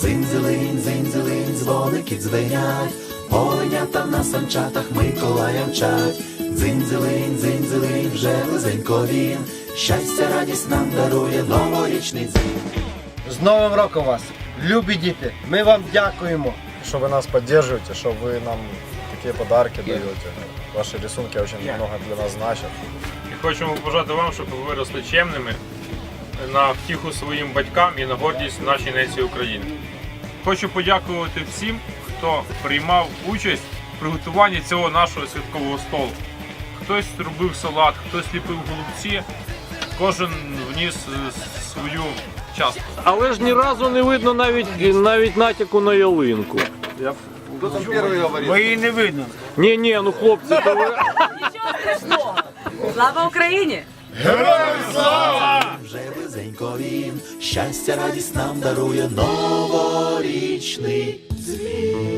Дзинь-дзилинь, дзинь-дзилинь, дзвоники дзвенять, оленята на санчатах Миколая мчать. Дзинь-дзилинь, дзинь-дзилинь, вже близенько він, щастя, радість нам дарує новорічний дзвін. З Новим роком вас, любі діти, ми вам дякуємо. Что вы нас поддерживаете, что вы нам такие подарки даете. Ваши рисунки очень много для нас значат. І хочемо побажати вам, щоб ви виросли чемними на втіху своїм батькам і на гордість нашій нації України. Хочу подякувати всім, хто приймав участь в приготуванні цього нашого святкового столу. Хтось робив салат, хтось ліпив голубці, кожен вніс свою частку. Але ж ні разу не видно навіть натяку на ялинку. Кто там первый говорит? Бо її не видно. Ні, ну хлопці, то ви... Нічого страшного! Слава Україні! Вже близенько він, щастя, радість нам дарує новорічний дзвін.